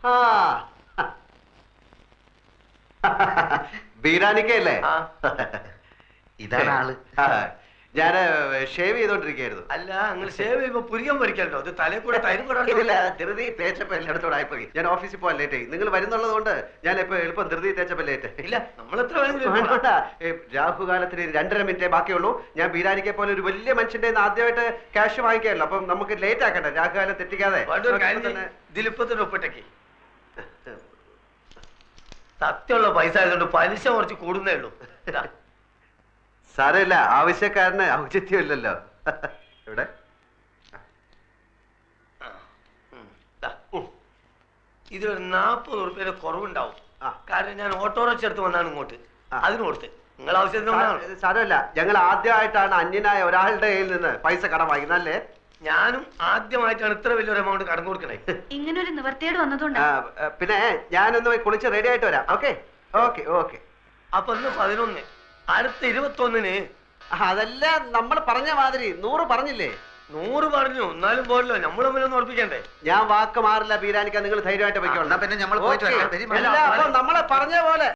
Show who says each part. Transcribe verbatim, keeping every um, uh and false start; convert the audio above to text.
Speaker 1: ബീരാനിക്കല്ലേ?
Speaker 2: ഇതാണ് ആള്.
Speaker 1: ഞാന് ഷേവ് ചെയ്തോണ്ടിരിക്കായിരുന്നു.
Speaker 2: അല്ല, നിങ്ങൾ ഷേവ് ചെയ്യുമ്പോ പുരികം പൊരിക്കല്ലോ, അത് തലേ കൂടെ തൈരും കൂടെ
Speaker 1: ധൃതി തേച്ചപ്പോ എല്ലായിടത്തോടെ ആയിപ്പോയി. ഞാൻ ഓഫീസിൽ പോകാൻ ലേറ്റ് ആയി. നിങ്ങൾ വരുന്നുള്ളത് കൊണ്ട് ഞാൻ ഇപ്പൊ എളുപ്പം ധൃതി തേച്ചപ്പോ ലേറ്റ്.
Speaker 2: ഇല്ല, നമ്മൾ എത്ര
Speaker 1: രാഹുകാലത്തിന് രണ്ടര മിനിറ്റേ ബാക്കിയുള്ളൂ. ഞാൻ ബീരാനിക്കെ പോലെ ഒരു വലിയ മനുഷ്യന്റെ ആദ്യമായിട്ട് ക്യാഷ് വാങ്ങിക്കാമല്ലോ, അപ്പം നമുക്ക് ലേറ്റ് ആക്കട്ടെ, രാഹുകാലം തെറ്റിക്കാതെ.
Speaker 2: ദിലിപ്പത്തിന്റെ ഒപ്പിട്ടേക്ക് സത്യമുള്ള പൈസ ആയതുകൊണ്ട് പലിശ കുറച്ച് കൂടുന്നേ ഉള്ളൂ.
Speaker 1: സാരമില്ല, ആവശ്യക്കാരന് ഔചിത്യമില്ലല്ലോ. ഇവിടെ
Speaker 2: ഇതിലൊരു നാപ്പത് ഉറുപ്പ്യയുടെ കുറവുണ്ടാവും. കാരണം ഞാൻ ഓട്ടോറിക്ഷ എടുത്ത് വന്നാണ് ഇങ്ങോട്ട്, അതിന് കൊടുത്ത്. നിങ്ങൾ ആവശ്യത്തിന്
Speaker 1: സാരമില്ല, ഞങ്ങൾ ആദ്യമായിട്ടാണ് അന്യനായ ഒരാളുടെ കയ്യിൽ നിന്ന് പൈസ കടം വാങ്ങിക്കുന്നത് അല്ലേ?
Speaker 2: ഞാനും ആദ്യമായിട്ടാണ് ഇത്ര വലിയൊരു എമൗണ്ട് കടം കൊടുക്കണേ.
Speaker 3: ഇങ്ങനെ ഒരു നിവർത്തിയോട് വന്നതുകൊണ്ട്
Speaker 1: പിന്നെ ഞാനൊന്ന് കുളിച്ച് റെഡി ആയിട്ട് വരാം. Okay okay okay.
Speaker 2: അപ്പൊ ഇന്ന് പതിനൊന്ന്, അടുത്ത ഇരുപത്തൊന്നിന്.
Speaker 1: അതല്ല, നമ്മൾ പറഞ്ഞ മാതിരി നൂറ് പറഞ്ഞില്ലേ?
Speaker 2: നൂറ് പറഞ്ഞു, എന്നാലും പോരല്ലോ, നമ്മൾ തമ്മിലൊന്നും ഉറപ്പിക്കണ്ടേ.
Speaker 1: ഞാൻ വാക്ക് മാറില്ല ബീരാനിക്ക, നിങ്ങൾ ധൈര്യമായിട്ട് പോയിക്കോളാം.
Speaker 2: പിന്നെ നമ്മൾ
Speaker 1: നമ്മളെ പറഞ്ഞ പോലെ